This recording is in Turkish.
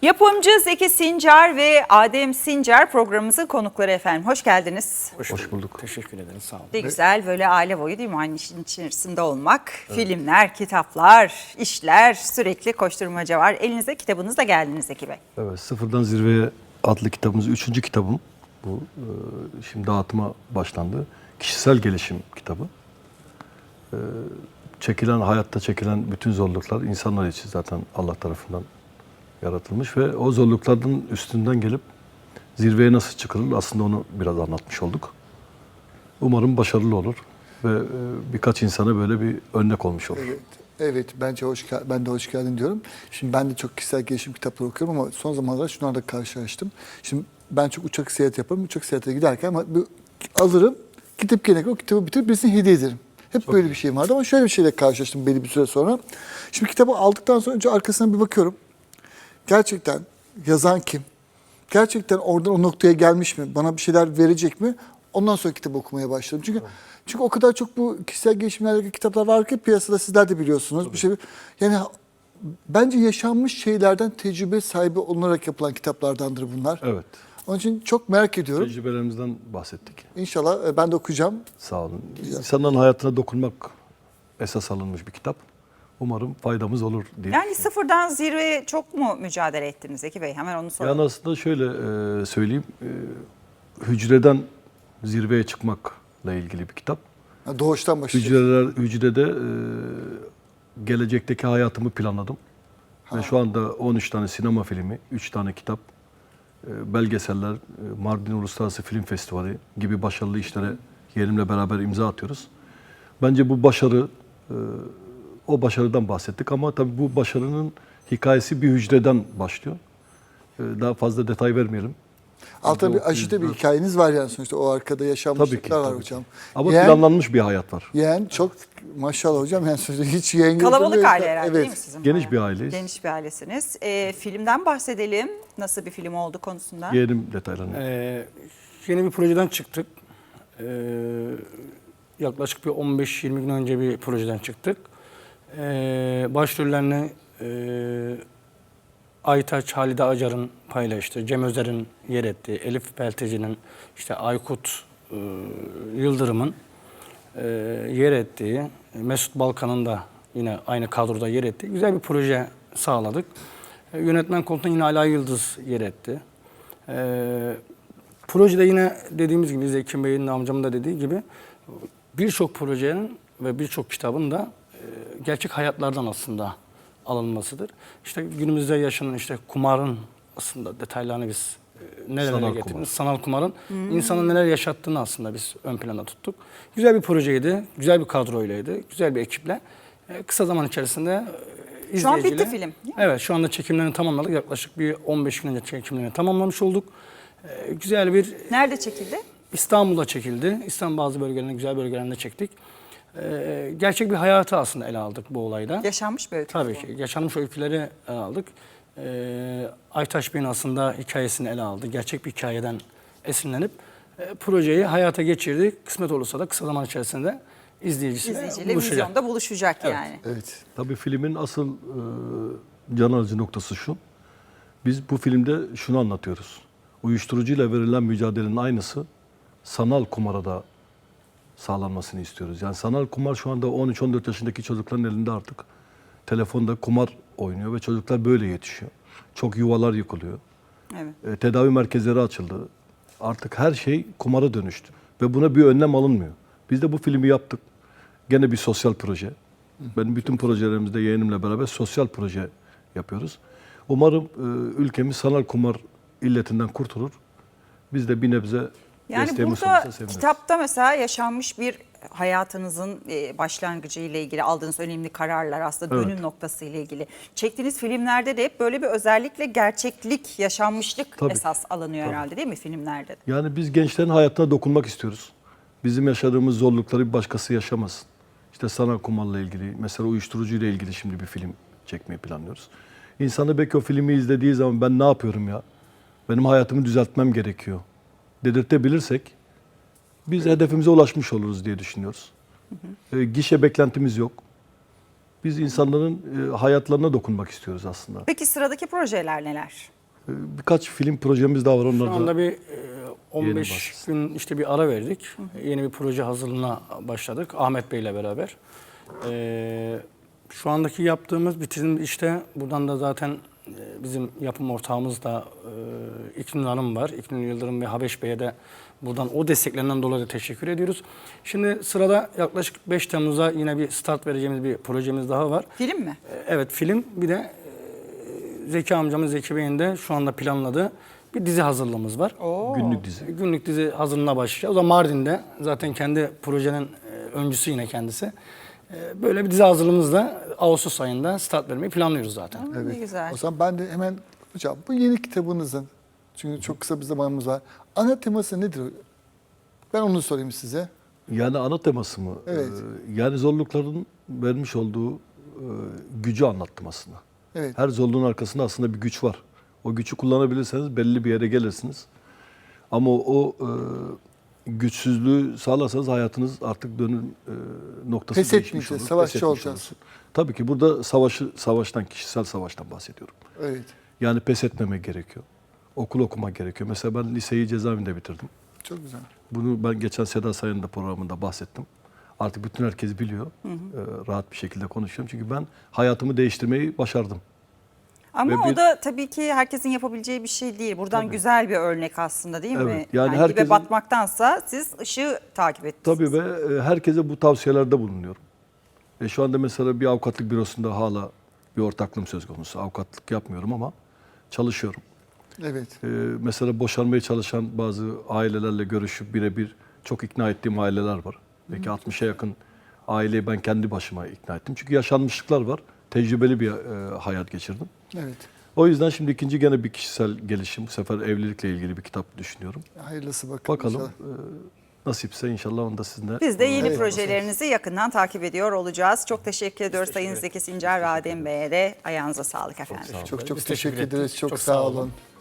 Yapımcı Zeki Sincar ve Adem Sincar programımızın konukları efendim. Hoş geldiniz. Hoş bulduk. Teşekkür ederim. Sağ olun. Ne güzel böyle aile boyu değil mi aynı işin içerisinde olmak. Evet. Filmler, kitaplar, işler, sürekli koşturmaca var. Elinizde kitabınızla geldiniz Zeki Bey. Evet, Sıfırdan Zirveye adlı kitabımız 3. kitabım. Bu şimdi dağıtıma başlandı. Kişisel gelişim kitabı. Hayatta çekilen bütün zorluklar insanlar için zaten Allah tarafından yaratılmış ve o zorluklardan üstünden gelip zirveye nasıl çıkılır aslında onu biraz anlatmış olduk. Umarım başarılı olur ve birkaç insana böyle bir örnek olmuş olur. Evet, bence ben de hoş geldin diyorum. Şimdi ben de çok kişisel gelişim kitapları okuyorum ama son zamanlarda şunlarla karşılaştım. Şimdi ben çok uçak seyahati yaparım. Uçak seyahatine giderken ama alırım, gidip gelene o kitabı bitirip birisine hediye ederim. Hep çok böyle bir şey vardı ama şöyle bir şeyle karşılaştım belli bir süre sonra. Şimdi kitabı aldıktan sonra önce arkasına bir bakıyorum. Gerçekten yazan kim? Gerçekten oradan o noktaya gelmiş mi? Bana bir şeyler verecek mi? Ondan sonra kitabı okumaya başladım. Çünkü o kadar çok bu kişisel gelişimle alakalı kitaplar var ki piyasada sizler de biliyorsunuz. Tabii. Bir şey yani bence yaşanmış şeylerden tecrübe sahibi olunarak yapılan kitaplardandır bunlar. Evet. Onun için çok merak ediyorum. Tecrübelerimizden bahsettik. İnşallah ben de okuyacağım. Sağ olun. İnsanların hayatına dokunmak esas alınmış bir kitap. Umarım faydamız olur diye. Yani sıfırdan zirveye çok mu mücadele ettiniz Zeki Bey? Hemen onu soralım. Yani aslında şöyle söyleyeyim. Hücreden zirveye çıkmakla ilgili bir kitap. Doğuştan başlayacağız. Hücrede gelecekteki hayatımı planladım. Ve şu anda 13 tane sinema filmi, 3 tane kitap, belgeseller, Mardin Uluslararası Film Festivali gibi başarılı işlere yeğenimle beraber imza atıyoruz. Bence bu başarı, o başarıdan bahsettik ama tabii bu başarının hikayesi bir hücreden başlıyor. Daha fazla detay vermeyelim. Altta bir aşıda bir hikayeniz var yani sonuçta o arkada yaşanmışlıklar var hocam. Ama planlanmış bir hayat var. Yeğen çok maşallah hocam yani sonuçta hiç yeğen Kalabalık aile herhalde değil mi sizin? Geniş bir aileyiz. Geniş bir ailesiniz. Filmden bahsedelim. Nasıl bir film oldu konusunda? Yeğenim detaylarını. Yeni bir projeden çıktık. Yaklaşık bir 15-20 gün önce bir projeden çıktık. Başrollerini Aytaç, Halide Acar'ın paylaştığı, Cem Özer'in yer ettiği, Elif Pelteci'nin, işte Aykut Yıldırım'ın yer ettiği, Mesut Balkan'ın da yine aynı kadroda yer ettiği güzel bir proje sağladık. Yönetmen koltuğunda yine Ala Yıldız yer etti. Projede yine dediğimiz gibi Zeki Bey'in amcamın da dediği gibi birçok projenin ve birçok kitabın da gerçek hayatlardan aslında alınmasıdır. İşte günümüzde yaşanan işte kumarın aslında detaylarını biz nerelere getirdik. Sanal kumarın insanın neler yaşattığını aslında biz ön plana tuttuk. Güzel bir projeydi, güzel bir kadroylaydı, güzel bir ekiple. Kısa zaman içerisinde izleyiciyle... Şu an bitti film. Evet, şu anda çekimlerini tamamladık. Yaklaşık bir 15 gün önce çekimlerini tamamlamış olduk. Güzel bir... Nerede çekildi? İstanbul'da çekildi. İstanbul bazı bölgelerinde, güzel bölgelerinde çektik. Gerçek bir hayatı aslında ele aldık bu olayda. Yaşanmış bir öykü. Tabii ki. Yaşanmış öyküleri ele aldık. Aytaç Bey'in aslında hikayesini ele aldı. Gerçek bir hikayeden esinlenip projeyi hayata geçirdik. Kısmet olursa da kısa zaman içerisinde izleyiciyle buluşacak. Vizyonda buluşacak yani. Evet. Tabii filmin asıl can alıcı noktası şu. Biz bu filmde şunu anlatıyoruz. Uyuşturucuyla verilen mücadelenin aynısı sanal kumara da sağlanmasını istiyoruz. Yani sanal kumar şu anda 13-14 yaşındaki çocukların elinde artık. Telefonda kumar oynuyor ve çocuklar böyle yetişiyor. Çok yuvalar yıkılıyor. Evet. Tedavi merkezleri açıldı. Artık her şey kumara dönüştü. Ve buna bir önlem alınmıyor. Biz de bu filmi yaptık. Gene bir sosyal proje. Benim bütün projelerimizde yeğenimle beraber sosyal proje yapıyoruz. Umarım ülkemiz sanal kumar illetinden kurtulur. Biz de bir nebze yani burada kitapta mesela yaşanmış bir hayatınızın başlangıcı ile ilgili aldığınız önemli kararlar aslında dönüm noktası ile ilgili. Çektiğiniz filmlerde de hep böyle bir özellikle gerçeklik, yaşanmışlık esas alınıyor herhalde değil mi filmlerde de? Yani biz gençlerin hayatına dokunmak istiyoruz. Bizim yaşadığımız zorlukları bir başkası yaşamasın. İşte sanal kumarla ilgili, mesela uyuşturucuyla ilgili şimdi bir film çekmeyi planlıyoruz. İnsanı belki o filmi izlediği zaman ben ne yapıyorum ya? Benim hayatımı düzeltmem gerekiyor dedirtebilirsek biz hedefimize ulaşmış oluruz diye düşünüyoruz. Gişe beklentimiz yok. Biz insanların hayatlarına dokunmak istiyoruz aslında. Peki sıradaki projeler neler? Birkaç film projemiz daha var. Onlar Şu anda da bir 15 başlasın. gün işte bir ara verdik. Yeni bir proje hazırlığına başladık Ahmet Bey ile beraber. Şu andaki yaptığımız bitirim işte buradan da zaten bizim yapım ortağımız da İknur Hanım var. İknur Yıldırım ve Habeş Bey'e de buradan o desteklerinden dolayı da teşekkür ediyoruz. Şimdi sırada yaklaşık 5 Temmuz'a yine bir start vereceğimiz bir projemiz daha var. Film mi? Evet, film. Bir de Zeki amcamız Zeki Bey'in de şu anda planladığı bir dizi hazırlığımız var. günlük dizi. Günlük dizi hazırlığına başlayacağız. O da Mardin'de. Zaten kendi projenin öncüsü yine kendisi. Böyle bir dizi hazırlığımızla Ağustos ayında start vermeyi planlıyoruz zaten. Ne güzel. O zaman ben de hemen hocam bu yeni kitabınızın, çünkü çok kısa bir zamanımız var. Ana teması nedir? Ben onu sorayım size. Yani ana teması mı? Evet. Yani zorlukların vermiş olduğu gücü anlattım aslında. Evet. Her zorluğun arkasında aslında bir güç var. O gücü kullanabilirseniz belli bir yere gelirsiniz. Ama o güçsüzlüğü sağlarsanız hayatınız artık dönüm noktası Pes değişmiş etmeyeceğiz, olur. savaşçı Pes etmiş olacağız. olursun. Tabii ki burada savaştan, kişisel savaştan bahsediyorum. Evet. Yani pes etmemek gerekiyor. Okul okumak gerekiyor. Mesela ben liseyi cezaevinde bitirdim. Çok güzel. Bunu ben geçen Seda Sayan'ın da programında bahsettim. Artık bütün herkes biliyor. Rahat bir şekilde konuşuyorum. Çünkü ben hayatımı değiştirmeyi başardım. Ama Ve o bir- da tabii ki herkesin yapabileceği bir şey değil. Buradan güzel bir örnek aslında değil mi? Evet, yani dibe herkesin- batmaktansa siz ışığı takip ettiniz. Tabii ve herkese bu tavsiyelerde bulunuyorum. Şu anda mesela bir avukatlık bürosunda hala bir ortaklığım söz konusu. Avukatlık yapmıyorum ama çalışıyorum. Evet. Mesela boşanmaya çalışan bazı ailelerle görüşüp birebir çok ikna ettiğim aileler var. Belki 60'a yakın aileyi ben kendi başıma ikna ettim. Çünkü yaşanmışlıklar var. Tecrübeli bir hayat geçirdim. Evet. O yüzden şimdi ikinci gene bir kişisel gelişim. Bu sefer evlilikle ilgili bir kitap düşünüyorum. Hayırlısı bakalım. Bakalım inşallah. nasipse inşallah onu da sizinle... Biz de yeni Evet. projelerinizi yakından takip ediyor olacağız. Çok teşekkür ediyoruz Sayın Zeki Sincar ve Adem Bey'e de. Ayağınıza sağlık efendim. Çok Biz çok teşekkür teşekkür ederiz. ettik. Çok Çok sağ sağ olun. olun.